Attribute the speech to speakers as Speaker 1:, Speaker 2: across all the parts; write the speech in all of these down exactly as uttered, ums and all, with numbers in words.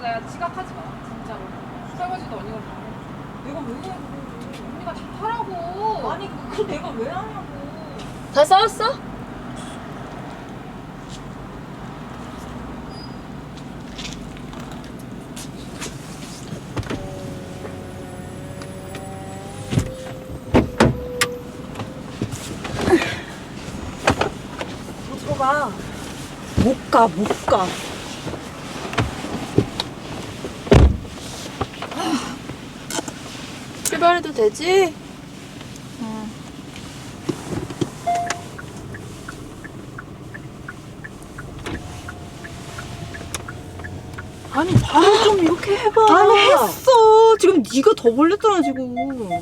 Speaker 1: 내가 지각하지 마 진짜로. 설거지도 언니가 다 해. 내가 왜 해? 언니가 다 하라고.
Speaker 2: 아니 그걸 내가 왜 하냐고.
Speaker 3: 다 싸웠어?
Speaker 2: 들어가. 못 가, 못 가.
Speaker 3: 출발해도 되지?
Speaker 2: 아니 말을 좀 이렇게 해봐.
Speaker 4: 아니 했어. 지금 네가 더 벌렸잖아 지금.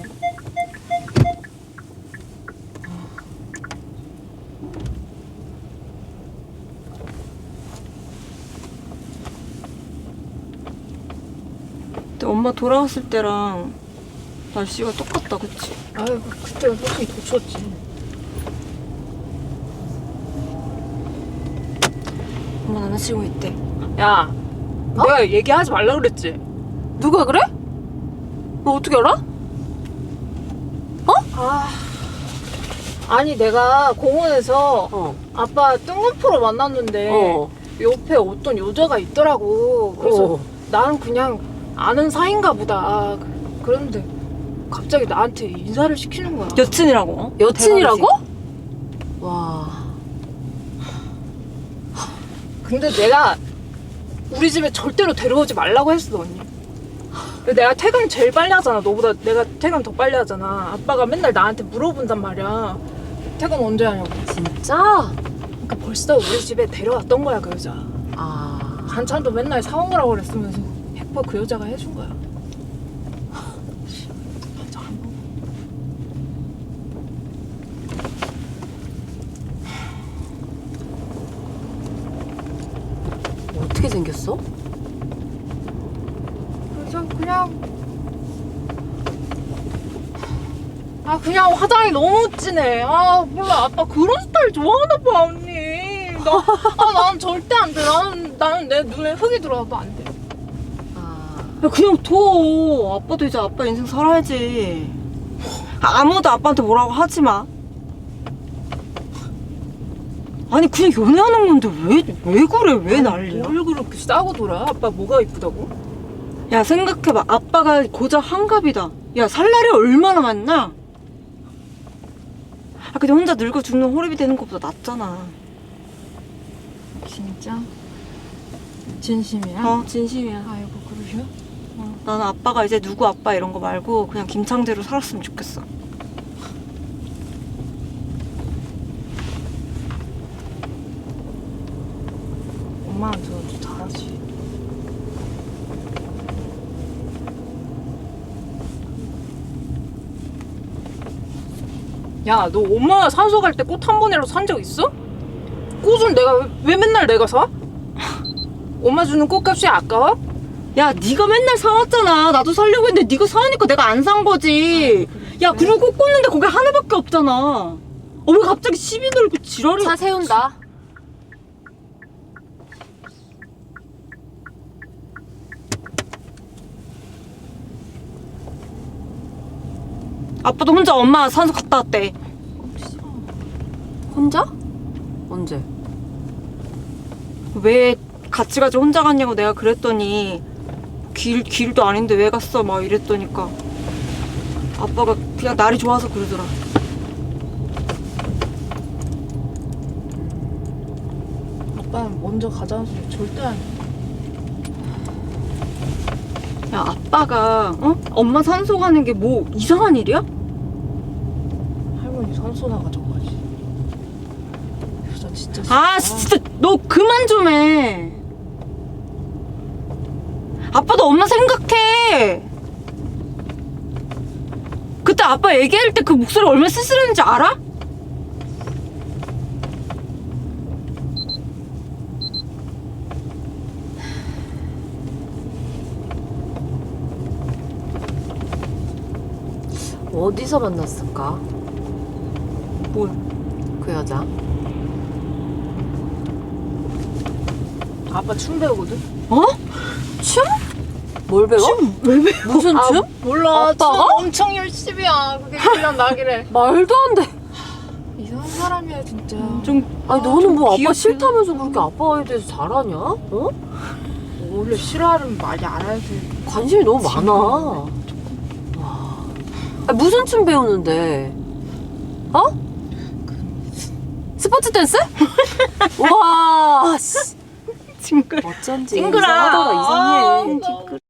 Speaker 4: 근데 엄마 돌아왔을 때랑 날씨가 똑같다, 그치?
Speaker 1: 아이고 그때가 솔직히 더 추웠지.
Speaker 4: 엄마 남자친구 있대.
Speaker 1: 야, 내가 얘기하지 말라 그랬지.
Speaker 4: 누가 그래? 너 어떻게 알아?
Speaker 1: 아, 아니 내가 공원에서
Speaker 4: 어.
Speaker 1: 아빠 뜬금포로 만났는데
Speaker 4: 어.
Speaker 1: 옆에 어떤 여자가 있더라고. 그래서
Speaker 4: 어.
Speaker 1: 나는 그냥 아는 사이인가 보다. 그- 그런데 갑자기 나한테 인사를 시키는 거야.
Speaker 4: 여친이라고? 어?
Speaker 3: 여친이라고?
Speaker 4: 대박이지?
Speaker 3: 와.
Speaker 1: 근데 내가 우리 집에 절대로 데려오지 말라고 했어, 언니. 근데 내가 퇴근 제일 빨리 하잖아. 너보다 내가 퇴근 더 빨리 하잖아. 아빠가 맨날 나한테 물어본단 말이야. 퇴근 언제 하냐고.
Speaker 3: 진짜?
Speaker 1: 그러니까 벌써 우리 집에 데려왔던 거야, 그 여자.
Speaker 3: 아.
Speaker 1: 반찬도 맨날 사온 거라고 그랬으면서 백 퍼센트 그 여자가 해준 거야. 반찬 안 먹어.
Speaker 3: 어떻게 생겼어?
Speaker 1: 그래서 그냥 아 그냥 화장이 너무 진해. 아 몰라, 아빠 그런 스타일 좋아하나 봐, 언니. 나아난 절대 안 돼. 나는 나는 내 눈에 흙이 들어와도 안 돼.
Speaker 3: 아.
Speaker 4: 야, 그냥 둬. 아빠도 이제 아빠 인생 살아야지. 아무도 아빠한테 뭐라고 하지 마. 아니 그냥 연애하는 건데 왜 왜 그래? 왜 난리야?
Speaker 1: 뭘 그렇게 싸고 돌아? 아빠 뭐가 이쁘다고?
Speaker 4: 야 생각해봐. 아빠가 고작 한갑이다. 야 살 날이 얼마나 많나? 아 근데 혼자 늙어 죽는 호랩이 되는 것보다 낫잖아.
Speaker 1: 진짜? 진심이야?
Speaker 4: 어 진심이야.
Speaker 1: 아이고 그러셔?
Speaker 4: 어, 나는 아빠가 이제 누구 아빠 이런 거 말고 그냥 김창대로 살았으면 좋겠어.
Speaker 1: 엄마한테 도 잘하지. 야, 너 엄마 산소 갈 때 꽃 한 번이라도 산 적 있어? 꽃은 내가 왜, 왜 맨날 내가 사? 엄마 주는 꽃값이 아까워?
Speaker 4: 야 네가 맨날 사왔잖아. 나도 사려고 했는데 네가 사니까 내가 안 산 거지. 야 그리고 꽃 꽂는데 거기 하나밖에 없잖아. 어 왜 갑자기 시비 걸고 지랄이.
Speaker 3: 차 세운다.
Speaker 4: 아빠도 혼자 엄마 산소 갔다 왔대.
Speaker 3: 혼자? 언제?
Speaker 4: 왜 같이 가지 혼자 갔냐고 내가 그랬더니 길, 길도 아닌데 왜 갔어 막 이랬더니까 아빠가 그냥 날이 좋아서 그러더라.
Speaker 1: 아빠는 먼저 가자는 소리 절대 안 해.
Speaker 4: 야 아빠가 어? 엄마 산소 가는 게 뭐 이상한 일이야?
Speaker 1: 할머니 산소 나가자고 하지. 여자 진짜
Speaker 4: 아
Speaker 1: 싫다.
Speaker 4: 진짜 너 그만 좀 해. 아빠도 엄마 생각해. 그때 아빠 얘기할 때 그 목소리 얼마나 쓸쓸했는지 알아?
Speaker 3: 어디서 만났을까?
Speaker 4: 뭐야?
Speaker 3: 그 여자.
Speaker 1: 아빠 춤 배우거든?
Speaker 4: 어?
Speaker 3: 춤? 뭘 배워?
Speaker 4: 왜 배워?
Speaker 3: 무슨
Speaker 1: 아,
Speaker 3: 춤?
Speaker 1: 몰라. 춤
Speaker 3: 아빠가?
Speaker 1: 엄청 열심히 야 그게 훈련 나기래.
Speaker 3: 말도 안 돼.
Speaker 1: 이상한 사람이야 진짜.
Speaker 4: 좀
Speaker 3: 아니 너는 뭐 아빠
Speaker 4: 귀엽긴
Speaker 3: 싫다면서 그렇게 아빠에 대해서 잘하냐? 어?
Speaker 1: 원래 싫어하는 말이 알아야지.
Speaker 3: 관심이 너무 많아. 와. 아니, 무슨 춤 배우는데? 어? 스포츠 댄스? 와, 씨.
Speaker 4: 징그러.
Speaker 3: 어쩐지
Speaker 1: 징그러.
Speaker 3: 이상하다가 이상해.
Speaker 1: 아,
Speaker 4: 징그러.